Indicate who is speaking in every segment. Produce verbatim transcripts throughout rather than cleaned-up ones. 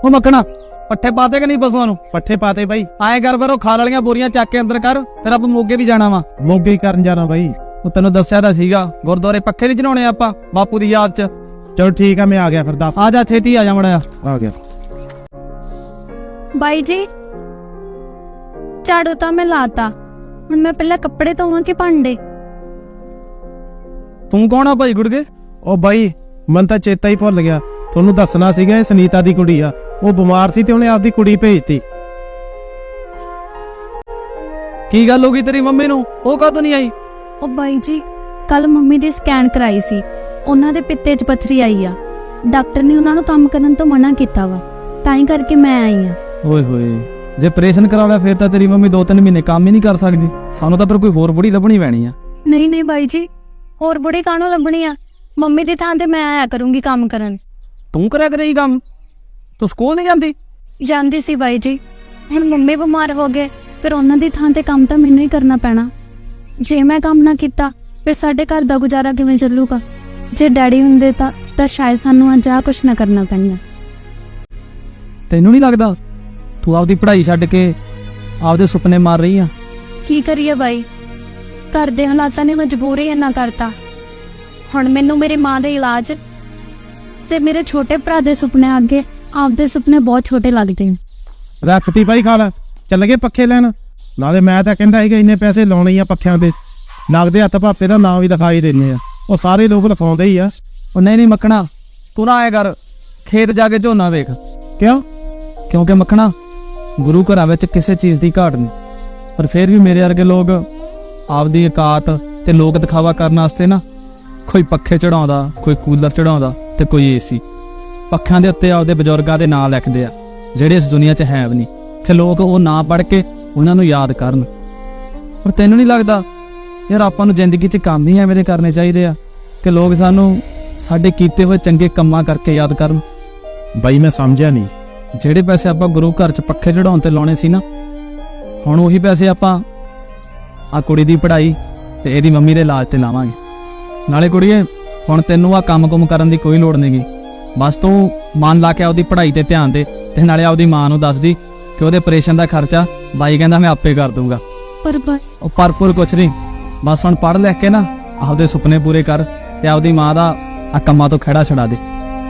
Speaker 1: ਉਹ ਮੱਖਣਾ ਪੱਠੇ ਪਾਤੇ ਕਿ ਨਹੀਂ ਪਸ਼ੂਆਂ ਨੂੰ?
Speaker 2: ਪੱਠੇ ਪਾਤੇ ਬਾਈ।
Speaker 1: ਆਏ ਕਰ ਫਿਰ ਉਹ ਖਾਲ ਵਾਲੀਆਂ ਬੋਰੀਆਂ ਚੱਕ ਕੇ ਅੰਦਰ ਕਰ, ਫਿਰ ਆਪਾਂ ਮੋਗੇ ਵੀ ਜਾਣਾ ਵਾ।
Speaker 2: ਮੋਗੇ ਹੀ ਕਰਨ ਜਾਣਾ ਬਾਈ।
Speaker 1: ਉਹ ਤੈਨੂੰ ਦੱਸਿਆ ਤਾਂ ਸੀਗਾ ਗੁਰਦੁਆਰੇ ਪੱਖੇ ਨਹੀਂ ਚੜਾਉਣੇ ਆਪਾਂ ਬਾਪੂ ਦੀ ਯਾਦ ਚ।
Speaker 2: ਚਲ ਠੀਕ ਆ, ਮੈਂ ਆ ਗਿਆ ਫਿਰ। ਦੱਸ।
Speaker 1: ਆ ਜਾ ਛੇਤੀ ਆ ਜਾ ਮੜਿਆ।
Speaker 2: ਆ ਗਿਆ
Speaker 3: ਬਾਈ ਜੀ, ਝਾੜੂ ਤਾਂ ਮੈਂ ਲਾਤਾ, ਹੁਣ ਮੈਂ ਪਹਿਲਾਂ ਕੱਪੜੇ ਧੋਵਾਂ ਕਿ ਭਾਂਡੇ?
Speaker 1: ਤੂੰ ਕੌਣ ਆ ਭਾਈ ਗੁੜਗੇ?
Speaker 2: ਉਹ ਬਾਈ ਮਨ ਤਾਂ ਚੇਤਾ ਹੀ ਭੁੱਲ ਗਿਆ, ਤੁਹਾਨੂੰ ਦੱਸਣਾ ਸੀਗਾ। ਇਹ ਸੁਨੀਤਾ ਦੀ ਕੁੜੀ ਆ, ਉਹ ਬਿਮਾਰ ਸੀ ਤੇ ਉਹਨੇ ਆਪਦੀ ਕੁੜੀ ਭੇਜਤੀ।
Speaker 1: ਕੀ ਗੱਲ ਹੋ ਗਈ ਤੇਰੀ ਮੰਮੀ ਨੂੰ? ਉਹ ਕਦੋਂ ਨਹੀਂ ਆਈ?
Speaker 3: ਉਹ ਬਾਈ ਜੀ, ਕੱਲ ਮੰਮੀ ਦੀ ਸਕੈਨ ਕਰਾਈ ਸੀ, ਉਹਨਾਂ ਦੇ ਪਿੱਤੇ 'ਚ ਪੱਥਰੀ ਆਈ ਆ। ਡਾਕਟਰ ਨੇ ਉਹਨਾਂ ਨੂੰ ਕੰਮ ਕਰਨ ਤੋਂ ਮਨਾ ਕੀਤਾ ਵਾ, ਤਾਂ ਹੀ ਕਰਕੇ ਮੈਂ ਆਈ ਆ।
Speaker 1: ਓਏ ਹੋਏ, ਜੇ ਆਪਰੇਸ਼ਨ ਕਰਾ ਲਿਆ ਫਿਰ ਤਾਂ ਤੇਰੀ ਮੰਮੀ ਦੋ ਤਿੰਨ ਮਹੀਨੇ ਕੰਮ ਹੀ ਨਹੀਂ ਕਰ ਸਕਦੀ। ਸਾਨੂੰ ਤਾਂ ਫਿਰ ਕੋਈ ਹੋਰ ਬੁੜੀ ਲੱਭਣੀ ਪੈਣੀ ਆ।
Speaker 3: ਨਹੀਂ ਨਹੀਂ ਬਾਈ ਜੀ, ਹੋਰ ਬੁੜੀ ਕਾਹਨੂੰ ਲੱਭਣੀ ਆ? ਮੰਮੀ ਦੀ ਥਾਂ ਤੇ ਮੈਂ ਆਇਆ ਕਰੂੰਗੀ ਕੰਮ ਕਰਨ।
Speaker 1: ਤੂੰ ਕਰਿਆ ਕਰੇਗੀ ਕੰਮ? ਤੂੰ ਸਕੂਲ ਨਹੀਂ ਜਾਂਦੀ?
Speaker 3: ਜਾਂਦੀ ਸੀ ਬਾਈ ਜੀ, ਹੁਣ ਮੰਮੀ ਬਿਮਾਰ ਹੋ ਗਏ, ਫਿਰ ਉਹਨਾਂ ਦੀ ਥਾਂ ਤੇ ਕੰਮ ਤਾਂ ਮੈਨੂੰ ਹੀ ਕਰਨਾ ਪੈਣਾ। ਜੇ ਮੈਂ ਕੰਮ ਨਾ ਕੀਤਾ ਫਿਰ ਸਾਡੇ ਘਰ ਦਾ ਗੁਜ਼ਾਰਾ ਕਿਵੇਂ ਚੱਲੂਗਾ? ਜੇ ਡੈਡੀ ਹੁੰਦੇ ਤਾਂ ਤਾਂ ਸ਼ਾਇਦ ਸਾਨੂੰ ਅੱਜ ਆਹ ਕੁਛ ਨਾ ਕਰਨਾ ਪੈਂਦਾ।
Speaker 1: ਤੈਨੂੰ ਨਹੀਂ ਲੱਗਦਾ ਤੂੰ ਆਪਦੀ ਪੜ੍ਹਾਈ ਛੱਡ ਕੇ ਆਪਦੇ ਸੁਪਨੇ ਮਾਰ ਰਹੀ ਆ?
Speaker 3: ਕੀ ਕਰੀਏ ਬਾਈ, ਘਰ ਦੇ ਹਾਲਾਤਾਂ ਨੇ ਮਜਬੂਰੀ ਇੰਨਾ ਕਰਤਾ। ਹੁਣ ਮੈਨੂੰ ਮੇਰੀ ਮਾਂ ਦੇ ਇਲਾਜ ਤੇ ਮੇਰੇ ਛੋਟੇ ਭਰਾ ਦੇ ਸੁਪਨੇ ਅੱਗੇ ਆਪਦੇ ਸੁਪਨੇ ਬਹੁਤ ਛੋਟੇ ਲੱਗਦੇ ਨੇ।
Speaker 2: ਰੱਖਤੀ ਬਾਈ ਖਾਲ, ਚੱਲ ਗਏ ਪੱਖੇ ਲੈਣ। ਨਾਲੇ ਮੈਂ ਤਾਂ ਕਹਿੰਦਾ ਸੀਗਾ ਇੰਨੇ ਪੈਸੇ ਲਾਉਣੇ ਆ ਪੱਖਿਆਂ ਦੇ, ਨਗਦੇ ਹੱਥ ਭਾਪੇ ਦਾ ਨਾਂ ਵੀ ਦਿਖਾਈ ਦਿੰਦੇ ਆ। ਉਹ ਸਾਰੇ ਲੋਕ ਲਿਖਾਉਂਦੇ ਹੀ ਆ।
Speaker 1: ਉਹ ਨਹੀਂ ਨਹੀਂ ਮੱਖਣਾ, ਤੂੰ ਨਾ ਆਇਆ ਕਰ, ਖੇਤ ਜਾ ਕੇ ਝੋਨਾ ਵੇਖ।
Speaker 2: ਕਿਉਂ?
Speaker 1: ਕਿਉਂਕਿ ਮੱਖਣਾ ਗੁਰੂ ਘਰਾਂ ਵਿੱਚ ਕਿਸੇ ਚੀਜ਼ ਦੀ ਘਾਟ ਨਹੀਂ, ਪਰ ਫਿਰ ਵੀ ਮੇਰੇ ਵਰਗੇ ਲੋਕ ਆਪਦੀ ਔਕਾਤ ਤੇ ਲੋਕ ਦਿਖਾਵਾ ਕਰਨ ਵਾਸਤੇ ਨਾ ਕੋਈ ਪੱਖੇ ਚੜਾਉਂਦਾ, ਕੋਈ ਕੂਲਰ ਚੜਾਉਂਦਾ ਤੇ ਕੋਈ ਏਸੀ। ਪੱਖਿਆਂ ਦੇ ਉੱਤੇ ਆਪਦੇ ਬਜ਼ੁਰਗਾਂ ਦੇ ਨਾਂ ਲਿਖਦੇ ਆ ਜਿਹੜੇ ਇਸ ਦੁਨੀਆ 'ਚ ਹੈ ਵੀ ਨਹੀਂ, ਕਿ ਲੋਕ ਉਹ ਨਾਂ ਪੜ੍ਹ ਕੇ ਉਹਨਾਂ ਨੂੰ ਯਾਦ ਕਰਨ। ਪਰ ਤੈਨੂੰ ਨਹੀਂ ਲੱਗਦਾ ਯਾਰ ਆਪਾਂ ਨੂੰ ਜ਼ਿੰਦਗੀ 'ਚ ਕੰਮ ਹੀ ਐਵੇਂ ਦੇ ਕਰਨੇ ਚਾਹੀਦੇ ਆ ਕਿ ਲੋਕ ਸਾਨੂੰ ਸਾਡੇ ਕੀਤੇ ਹੋਏ ਚੰਗੇ ਕੰਮਾਂ ਕਰਕੇ ਯਾਦ ਕਰਨ?
Speaker 2: ਬਾਈ ਮੈਂ ਸਮਝਿਆ ਨਹੀਂ।
Speaker 1: ਜਿਹੜੇ ਪੈਸੇ ਆਪਾਂ ਗੁਰੂ ਘਰ 'ਚ ਪੱਖੇ ਚੜਾਉਣ ਤੇ ਲਾਉਣੇ ਸੀ ਨਾ, ਹੁਣ ਉਹੀ ਪੈਸੇ ਆਪਾਂ ਆ ਕੁੜੀ ਦੀ ਪੜ੍ਹਾਈ ਤੇ ਇਹਦੀ ਮੰਮੀ ਦੇ ਇਲਾਜ ਤੇ ਲਾਵਾਂਗੇ। ਨਾਲੇ ਕੁੜੀਏ, ਹੁਣ ਤੈਨੂੰ ਆ ਕੰਮ-ਕੁਮ ਕਰਨ ਦੀ ਕੋਈ ਲੋੜ ਨਹੀਂਗੀ। ਬਸ ਤੂੰ ਮਨ ਲਾ ਕੇ ਆਪਦੀ ਪੜ੍ਹਾਈ ਤੇ ਧਿਆਨ ਦੇ, ਤੇ ਨਾਲੇ ਆਪਦੀ ਮਾਂ ਨੂੰ ਦੱਸ ਦੀ ਕਿ ਉਹਦੇ ਆਪਰੇਸ਼ਨ ਦਾ ਖਰਚਾ ਬਾਈ ਕਹਿੰਦਾ ਮੈਂ ਆਪੇ ਕਰ ਦੂੰਗਾ।
Speaker 3: ਪਰ
Speaker 1: ਉਹ ਪਰਪੁਰ ਕੁਛ ਨਹੀਂ, ਬਸ ਹੁਣ ਪੜ੍ਹ ਲਿਖ ਕੇ ਨਾ ਆਪਦੇ ਸੁਪਨੇ ਪੂਰੇ ਕਰ ਤੇ ਆਪਦੀ ਮਾਂ ਦਾ ਆ ਕੰਮਾਂ ਤੋਂ ਖਹਿੜਾ ਛਡਾ ਦੇ।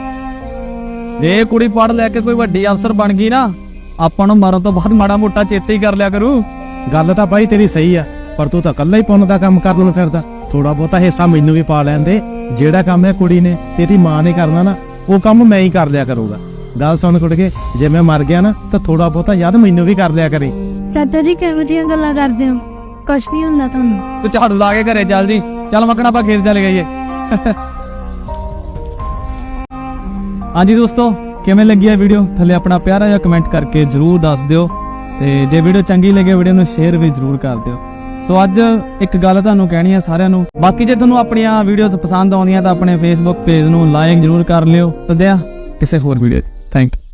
Speaker 1: ਜੇ ਕੁੜੀ ਪੜ੍ਹ ਲੈ ਕੇ ਕੋਈ ਵੱਡੀ ਅਫਸਰ ਬਣ ਗਈ ਨਾ, ਆਪਾਂ ਨੂੰ ਮਰਨ ਤੋਂ ਬਾਅਦ ਮਾੜਾ ਮੋਟਾ ਚੇਤੇ ਹੀ ਕਰ ਲਿਆ ਕਰੂ।
Speaker 2: ਗੱਲ ਤਾਂ ਬਾਈ ਤੇਰੀ ਸਹੀ ਆ, ਪਰ ਤੂੰ ਤਾਂ ਇਕੱਲਾ ਹੀ ਪੁੰਨ ਦਾ ਕੰਮ ਕਰਨ ਨੂੰ ਫਿਰਦਾ। ਥੋੜਾ ਬਹੁਤਾ ਹਿੱਸਾ ਮੈਨੂੰ ਵੀ ਪਾ ਲੈਂਦੇ। ਜਿਹੜਾ ਕੰਮ ਹੈ ਕੁੜੀ ਨੇ ਤੇ ਇਹਦੀ ਮਾਂ ਨੇ ਕਰਨਾ ਨਾ, ਉਹ ਕੰਮ ਮੈਂ ਹੀ ਕਰ ਲਿਆ ਕਰੂੰਗਾ। ਗੱਲ ਸੁਣ ਕੁੜ ਕੇ, ਜੇ ਮੈਂ ਮਰ ਗਿਆ ਨਾ ਤਾਂ ਥੋੜਾ ਬਹੁਤਾ ਯਾਦ ਮੈਨੂੰ ਵੀ ਕਰ ਲਿਆ ਕਰੇ।
Speaker 3: ਚਾਚਾ ਜੀ ਕਿਹੋ ਜਿਹੀਆਂ ਗੱਲਾਂ ਕਰਦੇ ਹੋ? ਕੁਛ ਨਹੀਂ ਹੁੰਦਾ ਤੁਹਾਨੂੰ।
Speaker 1: ਤੂੰ ਝਾੜੂ ਲਾ ਕੇ ਘਰੇ ਚੱਲ ਜੀ। ਚੱਲ ਮੱਕਣਾ ਆਪਾਂ ਖੇਤ ਚੱਲ ਗਈਏ। ਹਾਂਜੀ ਦੋਸਤੋ, ਕਿਵੇਂ ਲੱਗੀ ਇਹ ਵੀਡੀਓ? ਥੱਲੇ ਆਪਣਾ ਪਿਆਰਾ ਜਿਹਾ ਕਮੈਂਟ ਕਰਕੇ ਜਰੂਰ ਦੱਸ ਦਿਓ, ਤੇ ਜੇ ਵੀਡੀਓ ਚੰਗੀ ਲੱਗੇ ਵੀਡੀਓ ਨੂੰ ਸ਼ੇਅਰ ਵੀ ਜਰੂਰ ਕਰ ਦਿਓ। ਸੋ ਅੱਜ ਇੱਕ ਗੱਲ ਤੁਹਾਨੂੰ ਕਹਿਣੀ ਹੈ ਸਾਰਿਆਂ ਨੂੰ, ਬਾਕੀ ਜੇ ਤੁਹਾਨੂੰ ਆਪਣੀਆਂ ਵੀਡੀਓਜ਼ ਪਸੰਦ ਆਉਂਦੀਆਂ ਤਾਂ ਆਪਣੇ ਫੇਸਬੁੱਕ ਪੇਜ ਨੂੰ ਲਾਈਕ ਜਰੂਰ ਕਰ ਲਿਓ। ਤੇ ਦਿਆਂ ਕਿਸੇ ਹੋਰ ਵੀਡੀਓ 'ਚ। Thank you.